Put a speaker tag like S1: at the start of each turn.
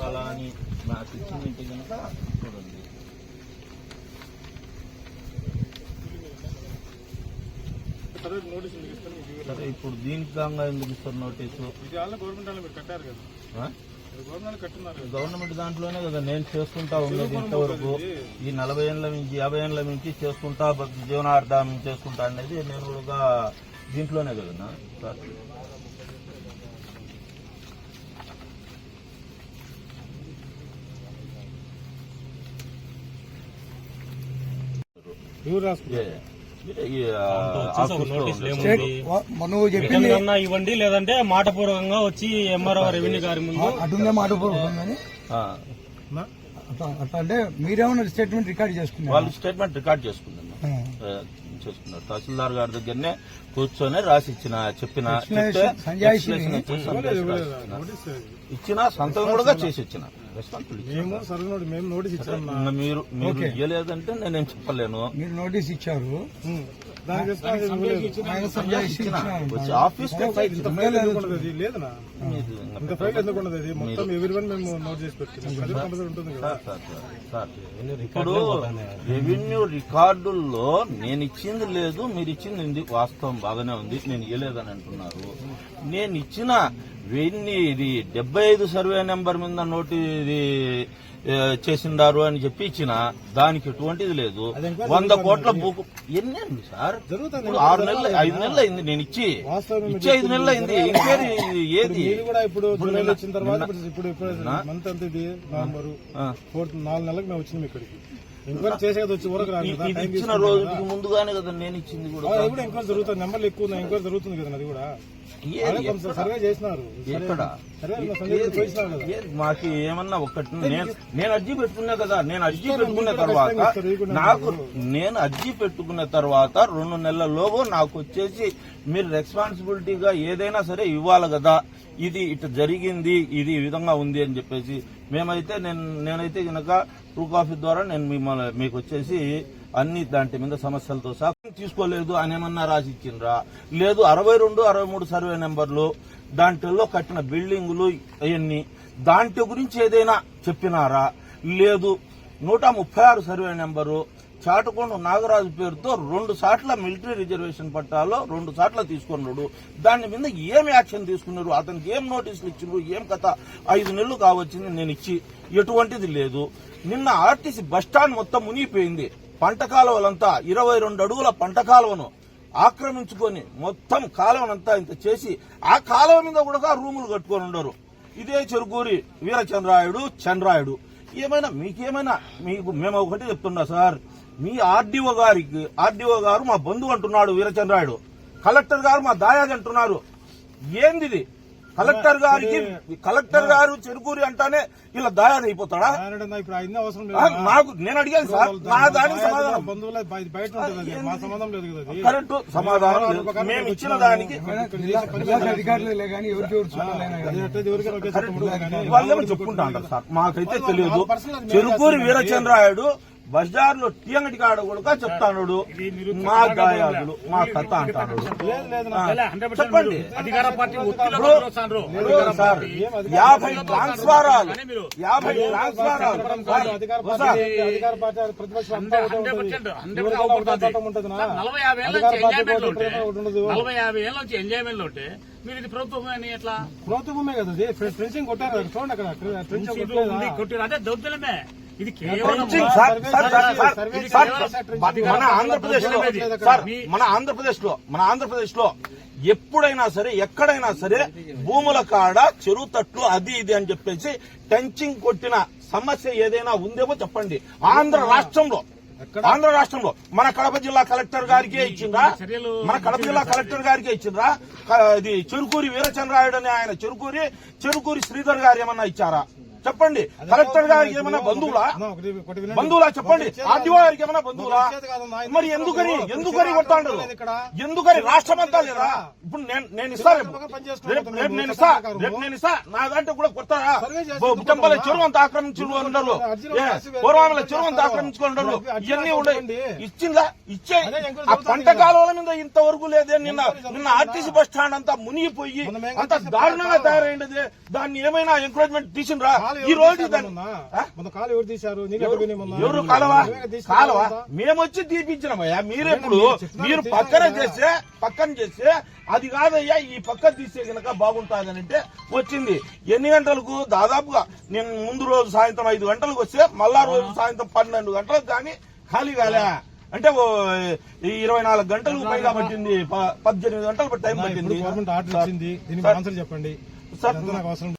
S1: అలా అని నాకు ఇచ్చిందంటే కనుక చూడండి. సరే ఇప్పుడు దీనికి కాగా ఎందుకు ఇస్తారు నోటీసు? గవర్నమెంట్ దాంట్లోనే కదా నేను చేసుకుంటా ఉన్నది ఇంతవరకు. ఈ 40 ఏళ్ల నుంచి 50 ఏళ్ల నుంచి చేసుకుంటా జీవనార్థం చేసుకుంటా అనేది నేను కూడా దీంట్లోనే కదా సార్.
S2: ఇవ్వండి, లేదంటే మాటపూర్వకంగా వచ్చి ఎంఆర్ఓ రెవెన్యూ గారి ముందు
S3: అటుందే మాటపూర్వకంగా అట్లా అంటే మీరేమన్నా స్టేట్మెంట్ రికార్డ్ చేసుకున్నారు?
S1: వాళ్ళు స్టేట్మెంట్ రికార్డ్ చేసుకున్నారు. తహసీల్దార్ గారి దగ్గరనే కూర్చొని రాసి చెప్పిన ఇచ్చిన సంతకం కూడా చేసి ఇచ్చిన. మీరు ఇవ్వలేదంటే నేనేం చెప్పలేను.
S3: మీరు నోటీస్ ఇచ్చారు,
S1: ఆఫీస్ ఇప్పుడు రెవెన్యూ రికార్డుల్లో నేను ఇచ్చింది లేదు, మీరు ఇచ్చింది వాస్తవం బాగానే ఉంది, నేను ఇవ్వలేదని అంటున్నారు. నేను ఇచ్చిన 75 సర్వే నెంబర్ మీద నోటి చేసిండారు అని చెప్పి ఇచ్చిన దానికి ఎటువంటిది లేదు. 100 కోట్ల భూకు ఎన్నేంది సార్? 6 నెలలు 5 నెలలు అయింది నేను ఇచ్చి 5 నెలలు అయింది. ఎంక్వైరీ ఏది?
S2: ఇప్పుడు 4 నెలలకు మేము వచ్చినాం ఇక్కడికి. ఎంక్వైరీ చేసేది వచ్చి
S1: ఇచ్చిన రోజుకి ముందుగానే కదా నేను ఇచ్చింది కూడా.
S2: ఎంక్వైరీ జరుగుతుంది, నెంబర్లు ఎక్కువ ఎంక్వైరీ జరుగుతుంది కదా. అది కూడా సర్వే చేసినారు.
S1: మాకు ఏమన్నా ఒక్కటి నేను అర్జీ పెట్టుకున్నా కదా. నేను అర్జీ పెట్టుకున్న తర్వాత 2 నెలల్లోగా నాకు వచ్చేసి మీరు రెస్పాన్సిబిలిటీగా ఏదైనా సరే ఇవ్వాలి కదా. ఇది ఇట్లా జరిగింది, ఇది ఈ విధంగా ఉంది అని చెప్పేసి మేమైతే నేనైతే కనుక ట్రూ కాఫీ ద్వారా నేను మీకు వచ్చేసి అన్ని దాంట్ మీద సమస్యలతో సహా తీసుకోలేదు అని ఏమన్నా రాసి ఇచ్చిండ్రా? లేదు. 62, 63 సర్వే నెంబర్లు దాంట్లో కట్టిన బిల్డింగులు అవన్నీ దాంట్లో గురించి ఏదైనా చెప్పినారా? లేదు. 136 సర్వే నెంబరు చాటకొండ నాగరాజు పేరుతో 2 సార్ల మిలిటరీ రిజర్వేషన్ పట్టాలో 2 సార్లు తీసుకున్నాడు. దాని మీద ఏం యాక్షన్ తీసుకున్నారు? అతనికి ఏం నోటీసులు ఇచ్చిండ్రు? ఏం కథ? 5 నెలలు కావచ్చింది నేను ఇచ్చి, ఎటువంటిది లేదు. నిన్న ఆర్టీసీ బస్టాండ్ మొత్తం మునిగిపోయింది. పంట కాలువలంతా 22 అడుగుల పంట కాలువను ఆక్రమించుకొని మొత్తం కాలువనంతా ఇంత చేసి ఆ కాలువ మీద కూడా రూములు కట్టుకొని ఉండరు. ఇదే చెరుకూరి వీరచంద్రాయుడు చంద్రాయుడు. మీకేమైనా మేము ఒకటి చెప్తున్నా సార్, మీ ఆర్డీఓ గారు మా బంధువు అంటున్నాడు వీరచంద్రాయుడు, కలెక్టర్ గారు మా దాయాది అంటున్నారు. ఏంది? కలెక్టర్ గారు చెరుకూరి అంటానే ఇలా దాయాది అయిపోతాడా? నాకు నేను అడిగాను సార్, నా దానికి సమాధానం కరెక్ట్ సమాధానం మేము ఇచ్చిన దానికి వాళ్ళేమో చెప్పుకుంటా అంటారు సార్. మాకైతే తెలియదు. చెరుకూరి వీరచంద్రాయుడు బజార్లో టీ అంగడి కాడ కూడా చెప్తాడు మా దాయాదులు మా కథ అంటాడు. చెప్పండి సార్, 50 ట్రాన్స్ఫారాలు
S2: ఎంజాయ్మెంట్ ఉంటే మీరు ఇది ప్రభుత్వం ఎట్లా? ప్రభుత్వ భూమే కదా, ఫెన్సింగ్ కొట్టారు చూడండి అక్కడ, కొట్టారు. అదే దౌర్జన్యమే. ఇది మన ఆంధ్రప్రదేశ్ లో ఎప్పుడైనా సరే ఎక్కడైనా సరే భూముల కాడ చెరువు తట్లు అది ఇది అని చెప్పేసి టెంచింగ్ కొట్టిన సమస్య ఏదైనా ఉందేమో చెప్పండి. ఆంధ్ర రాష్ట్రంలో మన కడప జిల్లా కలెక్టర్ గారికే ఇచ్చిండ్రా? ఇది చెరుకూరి వీరచంద్రాయుడు అని ఆయన చెరుకూరి శ్రీధర్ గారు ఏమన్నా ఇచ్చారా? చెప్పండి. కలెక్టర్ గారికి ఏమైనా బంధువులా చెప్పండి. ఆర్డీఓ గారికి ఏమైనా బంధువులా? మరి ఎందుకని కొట్టాడు? ఎందుకని? రాష్ట్రం అంతా లేదా? ఇప్పుడు నేను ఇస్తా, నా దాంట్లో కూడా కొడతారా? బుట్టంపల్లి చెరువు అంతా ఆక్రమించుకుని ఉండరు, పూర్వామల చెరువు అంతా ఆక్రమించుకుని ఉండరు. ఇవన్నీ ఉన్నాయి. ఇచ్చిందా? ఇచ్చే ఆ పంట కాలువల మీద ఇంతవరకు లేదే. నిన్న ఆర్టీసీ బస్ స్టాండ్ అంతా మునిగిపోయి అంత దారుణంగా తయారైంది. దాన్ని ఏమైనా ఎంకరేజ్మెంట్ తీసిండ్రా? ఈ రోజు దాన్ని
S4: కాలు ఎవరు తీశారు? నీళ్ళు ఎక్కడ పోయినాయి మొన్న?
S2: ఎవరు కాలవా
S4: తీసి
S2: కాలవా మేమొచ్చి తీపించినామయ్యా. మీరెప్పుడు మీరు పక్కన చేస్తే అది కాదయ్యా ఈ పక్కన తీసే కనుక బాగుంటుందని అంటే వచ్చింది. ఎన్ని గంటలకు? దాదాపుగా నేను ముందు రోజు సాయంత్రం 5 గంటలకు వస్తే మళ్ళా రోజు సాయంత్రం 12 గంటలకు కానీ ఖాళీ కాలే అంటే 24 గంటలకు పైగా పట్టింది. 18 గంటలు టైం పట్టింది.
S4: గవర్నమెంట్ ఆర్డర్ ఇచ్చింది, దీనికి ఆన్సర్ చెప్పండి.
S2: సార్
S4: నాకు అవసరం